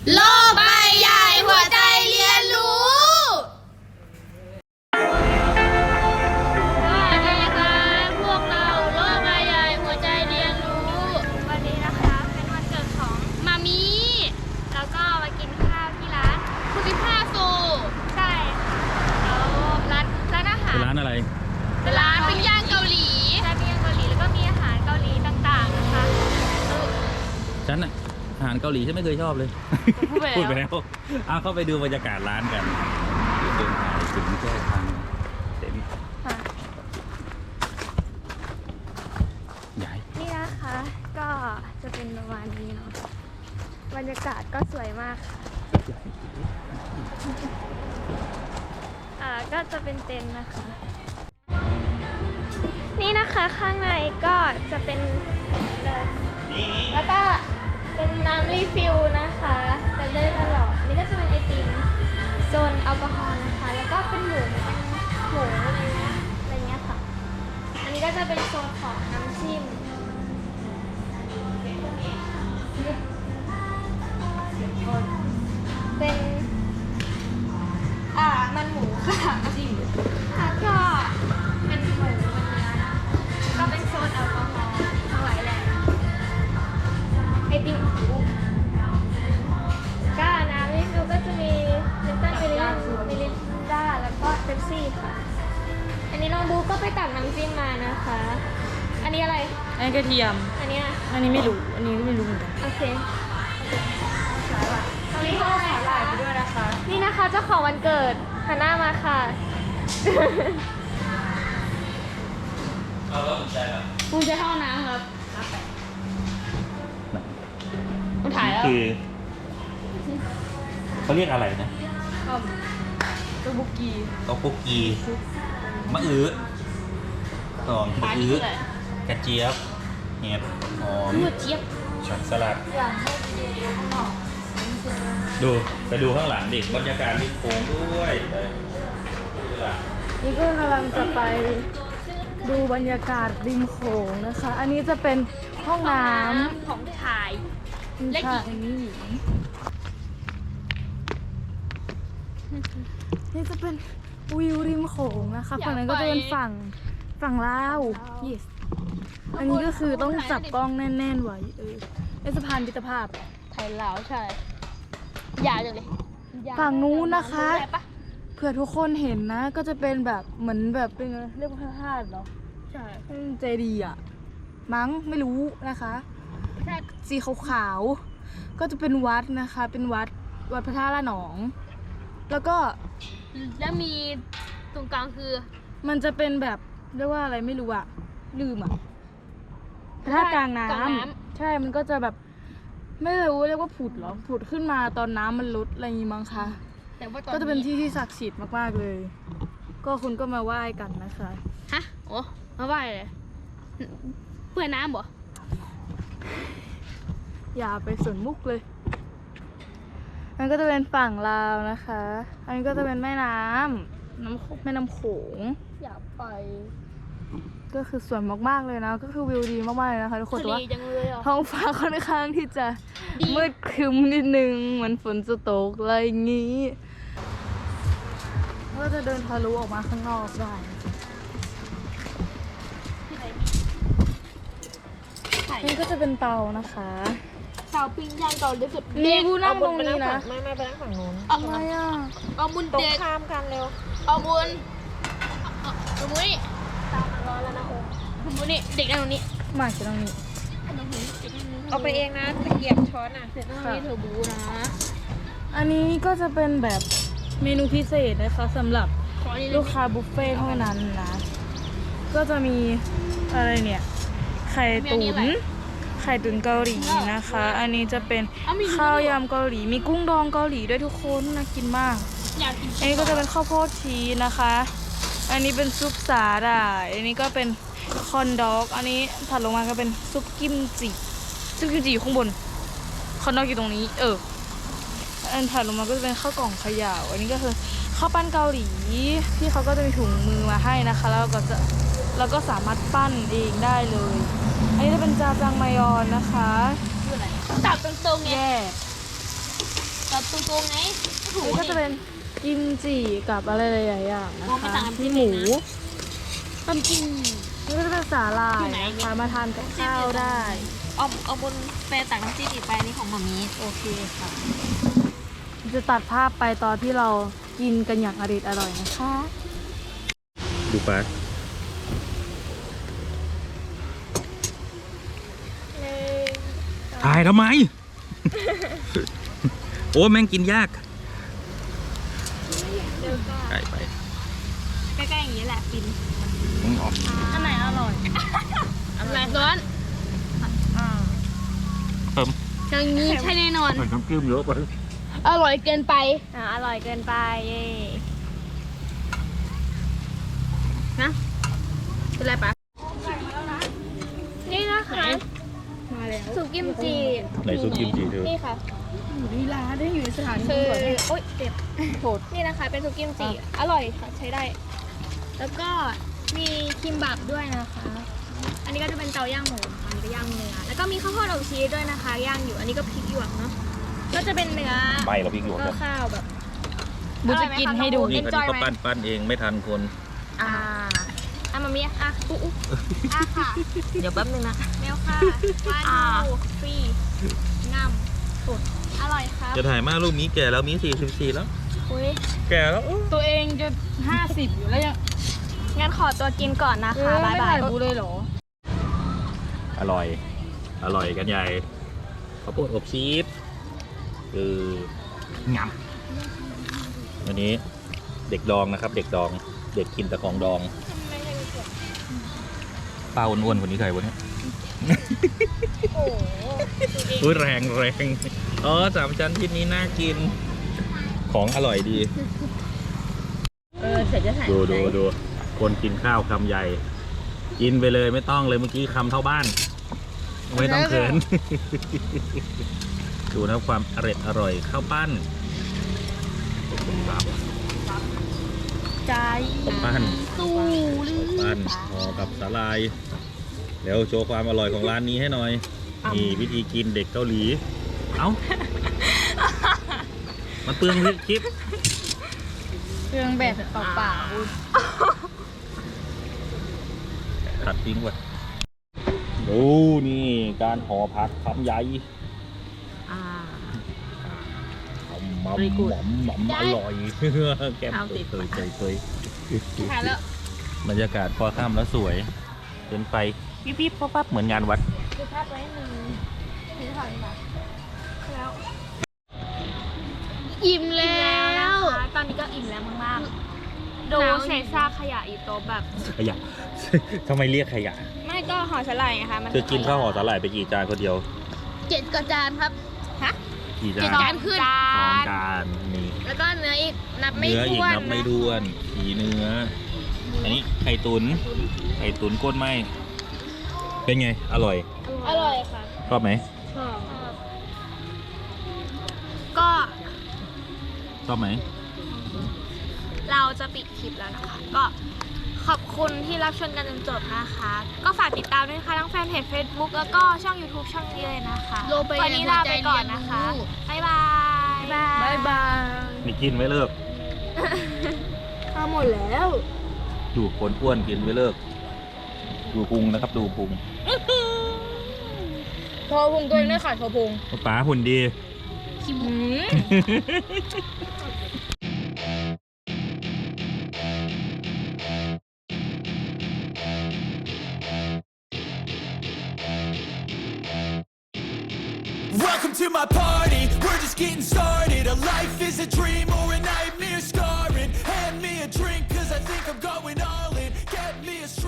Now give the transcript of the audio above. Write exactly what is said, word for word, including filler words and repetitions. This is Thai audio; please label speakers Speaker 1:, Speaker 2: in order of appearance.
Speaker 1: โลกใบใหญ่หัวใจเรียนรู้
Speaker 2: สวัสดีค่ะพวกเราโลกใบใหญ่หัวใจเรียนรู้วันนี้นะคะเป็นวันเกิดของมามีแล้วก็มากินข้าวที่ร้านคุณพิพาโซใช่ค่ะแล้วร้านร้านอาหาร
Speaker 3: เป็นร้านอะไร
Speaker 2: เป็นร้านปิ้งย่างเกาหลีใช่ปิ้งย่างเกาหลีแล้วก็มีอาหารเกาหลีต่างๆนะคะเออ
Speaker 3: ฉันอะอาหารเกาหลีฉันไม่เคยชอบเลย
Speaker 2: พูดไปแล้ว
Speaker 3: พูดไปแล้วเอาเข้าไปดูบรรยากาศร้านกันเดินทางถึงแค่ทางเต็ม
Speaker 2: ค่ะ
Speaker 3: ใหญ่
Speaker 2: นี่นะคะก็จะเป็นประมาณนี้เนาะบรรยากาศก็สวยมากค่ะอ่าก็จะเป็นเต็นท์นะคะ นี่นะคะข้างในก็จะเป็นเลยแล้วก็เป็นน้ำรีฟิลนะคะเป็นเลื่อนตลอดนี่ก็จะเป็นไอติมโซนแอลกอฮอล์นะคะแล้วก็เป็นหมูเป็นหมูอะไรเงี้ยอะไรเงี้ยค่ะอันนี้ก็จะเป็นโซนของน้ำจิ้มเป็นอ่ามันหมูค่ะจิ้มแล้วก็เป็นหมูเป็นเนื้อนะก็เป็นโซนแอลกอฮอล์ทั้งหลายแหละไอติมก็น้ำรีฟิลก็จะมีลิปตันมิรินมิรินดาแล้วก็เป๊ปซี่ค่ะ อันนี้น้องบูก็ไปตักน้ำจิ้มมานะคะ อันนี้อะไร
Speaker 1: อันนี้กระเทียม
Speaker 2: อันนี้อะ
Speaker 1: อันนี้ไม่รู้ อันนี้ก็ไม่รู้เหมือนกัน
Speaker 2: โอเคตรงนี้ก็แหวน
Speaker 1: ถ่ายไปด้วยนะคะ
Speaker 2: นี่นะคะเจ้าของวันเกิดหันหน้ามาค่ะ
Speaker 3: เอาแล้วสนใจเหรอ
Speaker 1: คุณจะเข้าน้ำครับคุณถ่ายแล้ว
Speaker 3: คือเขาเรียกอะไรนะ
Speaker 1: ตัวบุกกี
Speaker 3: โต๊ะปุกกีมะอื้อหอมมะอื้อ
Speaker 1: อะไร
Speaker 3: กระเจี๊ยบเห็ดหอม
Speaker 2: หมูเจี๊ยบ
Speaker 3: ช็อตสลัด
Speaker 2: อยากให้ดูข้างนอก
Speaker 3: ดูไปดูข้างหลังดิบรรยากาศริมโขงด้วยไปดูหลัง
Speaker 1: นี่ก็กำลังจะไปดูบรรยากาศริมโขงนะคะ อันนี้จะเป็นห้องน้
Speaker 2: ของชาย
Speaker 1: ำ
Speaker 2: และหญิง
Speaker 1: ชายนี่หญิงนี่จะเป็นวิวริมโขงนะคะฝั่งนั้นก็จะเป็นฝั่งฝั่งลาว yes อันนี้ก็คือต้องจับกล้องแน่นๆไว้เออเป็นสะพานมิตรภาพ
Speaker 2: ไทยลาวใช่ยาวจังเลย
Speaker 1: ฝั่งนู้นนะคะ
Speaker 2: ได้ปะ
Speaker 1: เผื่อทุกคนเห็นนะ ก็จะเป็นแบบเหมือนแบบเป็นเรียกว่าพระธาตุเหรอ
Speaker 2: ใช่
Speaker 1: เป็นเจดีย์อะมั้งไม่รู้นะคะ
Speaker 2: ใช่
Speaker 1: สีขาวๆก็จะเป็นวัดนะคะ เป็นวัดวัดพระธาตุละหนอง แล้วก็
Speaker 2: แล้วมีตรงกลางคือ
Speaker 1: มันจะเป็นแบบเรียกว่าอะไรไม่รู้อะลืมอะพระธาตุกลางน้
Speaker 2: กลางน้
Speaker 1: ำใช่มันก็จะแบบไม่รู้เรียกว่าผุดเหรอผุดขึ้นมาตอนน้ำมันลดอะไรอย่างงี้มั้งคะ
Speaker 2: แต่ว่าตอน
Speaker 1: ก็จะเป็นที่ที่ศักดิ์สิทธิ์มากๆเลย ก็คุณก็มาไหว้กันนะคะ
Speaker 2: ฮะโอ้มาไหว้เลยเพื่อน้ำบ่
Speaker 1: อย่าไปสนมุกเลยอันก็จะเป็นฝั่งลาวนะคะ อันนี้ก็จะเป็นแม่น้ำน้ำแม่น้ำโขง
Speaker 2: อยากไป
Speaker 1: ก็คือสวยมากๆเลยนะ ก็คือวิวดีมากๆเลยนะคะทุกคน
Speaker 2: ทะ
Speaker 1: แต่
Speaker 2: เล
Speaker 1: ว่า
Speaker 2: จังเลยอ่ะ
Speaker 1: ท้องฟ้าค่อนข้างที่จะ
Speaker 2: ดี
Speaker 1: มืดครึ้มนิดนึงเหมือนฝนจะตกอะไรอย่างงี้ก็จะเดินทะลุออกมาข้างนอกได้ นี่ก็จะเป็นเตานะคะ
Speaker 2: ชาวปิ้งย่างเกาหลีสุด
Speaker 1: นี่กูนั่งตรงนี้นะ
Speaker 4: ไม่ไม่ไปนั่งฝั่งนู้น
Speaker 2: เอา
Speaker 1: ทำไมอ่ะ
Speaker 2: เอาบุญ
Speaker 4: ตรง
Speaker 2: เด็ก
Speaker 4: ข้ามกันเร็ว
Speaker 2: เอาบุญเอาตรงนี้ตามร้อนแล้วนะโอ้บุญนี่เด็กนั่งตรงนี้
Speaker 1: มากินตรงนี้
Speaker 2: ตรงนี้เด็กนั่งตรงนี้
Speaker 4: เอาไปเองนะตะเกียบช้อนอ่ะ
Speaker 2: เด็กนั่งตรงนี้เธอบูนะ
Speaker 1: อันนี้ก็จะเป็นแบบเมนูพิเศษนะคะสำหรับ
Speaker 2: ขออันนี้เลย
Speaker 1: ลูกค้าบุฟเฟ่ต์เท่านั้นนะ ก็จะมีอะไรเนี่ย ไข่ตุ๋นไข่ตุ๋นเกาหลีนะคะ อันนี้จะเป็นข้าวยำเกาหลี มีกุ้งดองเกาหลีด้วยทุกคนน่ากินมาก
Speaker 2: อยากกิน
Speaker 1: อันนี้ก็จะเป็นข้าวโพดชีสนะคะ อันนี้เป็นซุปสาหร่าย อันนี้ก็เป็นคอนด็อก อันนี้ถัดลงมาก็เป็นซุปกิมจิ ซุปกิมจิอยู่ข้างบน คอนด็อกอยู่ตรงนี้ เออ อันถัดลงมาก็จะเป็นข้าวกล่องเขย่า อันนี้ก็คือข้าวปั้นเกาหลีที่เขาก็จะมีถุงมือมาให้นะคะ แล้วก็จะแล้วก็สามารถปั้นเองได้เลย อันนี้จะเป็นจาจังมายอนนะคะ
Speaker 2: ตับตรงๆไง
Speaker 1: แย่
Speaker 2: กับตูตูไงถู
Speaker 1: นี่ก็จะเป็นกิมจิกับอะไรหลายๆอย่างนะ
Speaker 2: โอ้ไม่
Speaker 1: คะ
Speaker 2: ต่างกัน
Speaker 1: มี
Speaker 2: ที่
Speaker 1: ห
Speaker 2: เล
Speaker 1: มู
Speaker 2: ยนะ ต้มจิ้ม
Speaker 1: นี่ก็จะเป็นสาหร่ายนะคะมาทานกับข้าวได้
Speaker 2: เอาเอาบนแปรตักน้ำจิ้มอีกไปอันนี่ของหมามี
Speaker 1: โอเคค่ะ จะตัดภาพไปตอนที่เรากินกันอย่างอร่อยอร่อยนะคะ
Speaker 3: ดูปลาถ่ายทำไม โอ้แม่งกินยาก
Speaker 2: เดี๋ยวก็
Speaker 3: ใกล้ไป
Speaker 2: ใกล้ๆอย่างนี้แหละฟิน
Speaker 3: มึงออก
Speaker 1: อันไหนอร่อย
Speaker 2: อะไรร้อน
Speaker 3: เพิ่ม
Speaker 2: อย่างนี้ใช่แน่นอน
Speaker 3: ใส่น้ำจิ้มเยอะไป
Speaker 2: อร่อยเกินไปอ่าอร่อยเกินไปเย่นะเป็นไรปะนี่นะคะ
Speaker 1: มาแล้ว
Speaker 2: สุกิมจิ
Speaker 3: ไหนซุปกิมจิเธอ
Speaker 2: นี่ค่ะ
Speaker 1: อยู่ที่ร้านได้อยู่ในสถาน
Speaker 2: คื
Speaker 1: ที่
Speaker 2: อ
Speaker 1: ก่อนเนี่ย
Speaker 2: โอ๊ยเจ็บโหดนี่นะคะ เป็นสุกิมจิอร่อยค่ะใช้ได้ แล้วก็มีคิมบับด้วยนะคะ อันนี้ก็จะเป็นเตาย่างหมูค่ะอันนี้ก็ย่างเนื้อแล้วก็มีข้าวโพดอบชีสด้วยนะคะย่างอยู่อันนี้ก็พริกหยวกเนาะก็จะเป็นเนื้อ
Speaker 3: ไม่เราพริกหยวก
Speaker 2: ก็
Speaker 3: กัน
Speaker 2: ข้าวแบบ
Speaker 1: บูจะกินให้ดู
Speaker 3: นี่
Speaker 2: เอ็น
Speaker 3: คัน
Speaker 2: จอ
Speaker 3: นี้
Speaker 2: ย
Speaker 3: ก็
Speaker 2: ไหม
Speaker 3: ปั้นปั้นเองไม่ทันคน
Speaker 2: อ่าอ่ะมามีอ่ะอุ๊อุ๊อ่ะค่ะ
Speaker 4: เดี๋ยวแป๊บนึงนะ
Speaker 2: เมลค่ะวานูฟรีงามสุดอร่อยครับ
Speaker 3: จะถ่ายมาลูกมีแก่แล้วมีสี่สิบสี่แล้ว
Speaker 2: อุ้ย
Speaker 3: แก่แล้ว
Speaker 1: ตัวเองจะห้าสิบอยู่แล้วยัง
Speaker 2: งั้นขอตัวกินก่อนนะ
Speaker 1: เอ
Speaker 2: คะ
Speaker 1: อ
Speaker 2: บ๊า
Speaker 1: ไม่
Speaker 2: ยบา
Speaker 1: ถ่าย ยบูเลยเหรอ
Speaker 3: อร่อย อร่อยกันใหญ่ข้าวโพดอบชีสคืองามวันนี้เด็กดองนะครับ เด็กดอง เด็กกินแต่ของดองป้าอ้วนๆคนนี้ใครวะเนี่ย
Speaker 2: โอ้โห
Speaker 3: อุ้ยแรงแรงอ๋อสามชั้นที่นี้น่ากิน ของอร่อยดี
Speaker 4: เออเสร็จจะถ่าย
Speaker 3: ดูดูดูคนกินข้าวคำใหญ่ กินไปเลยไม่ต้องเลยเมื่อกี้คำเท่าบ้าน ไม่ต้องเขิน ดูนะความอร่อยอร่อยข้าวปั้นครับ
Speaker 1: ใจ
Speaker 3: ข้าวปั้น
Speaker 1: สู้หรือ
Speaker 3: ข้าวปั้นห่อกับสาลายเดี๋ยวโชว์ความอร่อยของร้านนี้ให้หน่อยนี่วิธีกินเด็กเกาหลี เอ้า มันเปลืองคลิป
Speaker 1: เครื่องแบบเปล่า
Speaker 3: ตัดทิ้งไว้ดูนี่การห่อผักคำใหญ่
Speaker 4: อ่า
Speaker 3: หอมหอม
Speaker 4: Very good
Speaker 3: หอมหอมอร่อย แก้ม
Speaker 4: เอา
Speaker 3: เค
Speaker 4: ติ
Speaker 3: ย
Speaker 4: ด
Speaker 3: เคยเคยเคย
Speaker 2: ถ่ายแล้ว
Speaker 3: บรรยากาศพอค่ำแล้วสวยเป็นไฟปิ๊บปิ๊บปั๊บปั๊บเหมือนงานวัด
Speaker 2: ดูภาพไว้หนึ่งถือถอยมาแล้ว
Speaker 1: อิ่มแล้
Speaker 2: แล้ว
Speaker 1: ว
Speaker 2: นะคะตอนนี้ก็อิ่มแล้วมากๆดูเศษซากขยะอยู่โต๊ะแบบ
Speaker 3: ขยะ ทำไมเรียกขยะ
Speaker 2: ไม่ก็ห่อสลายไงคะมัน
Speaker 3: เธอกินข้าวห่อสาหร่ายไปกี่จานคนเดียว
Speaker 2: เจ็ดกระจานครับฮะ
Speaker 3: กี่จา
Speaker 2: เจ็ด
Speaker 3: น
Speaker 2: จานขึ้น
Speaker 3: สองจานนี่
Speaker 2: แล้วก็เนื้ออีกนับไม่
Speaker 3: เนื้ออีก
Speaker 2: ถ้วน
Speaker 3: นับไม่ด้วนขีเนื้อ อันนี้ไข่ตุนไข่ตุนก้นไหมเป็นไง อร่อย
Speaker 2: อร่อยค่ะ
Speaker 3: ชอบไหม
Speaker 2: ชอบก็
Speaker 3: ชอบไหม
Speaker 2: เราจะปิดคลิปแล้วนะคะ ก็ขอบคุณที่รับชมกันจนจบนะคะ ก็ฝากติดตามด้วยนะคะทั้งแฟนเพจ Facebook แล้วก็ช่อง YouTube ช่องนี้เลยนะคะ
Speaker 1: โลไป
Speaker 2: วันนี้ลาไปก่อนนะคะ บ๊ายบาย
Speaker 1: บายบาย
Speaker 3: นี่กินไม่เลิก
Speaker 1: ข้าวหมดแล้ว
Speaker 3: ดูคนอ้วนกินไม่เลิก ดูพุงนะครับ ดูพุง
Speaker 1: โชว์พุงตัวเองด้วยค่ะโชว์พุง
Speaker 3: ป๋าหุ่นดี
Speaker 1: อืม
Speaker 5: Welcome to my party, we're just getting started. A life is a dream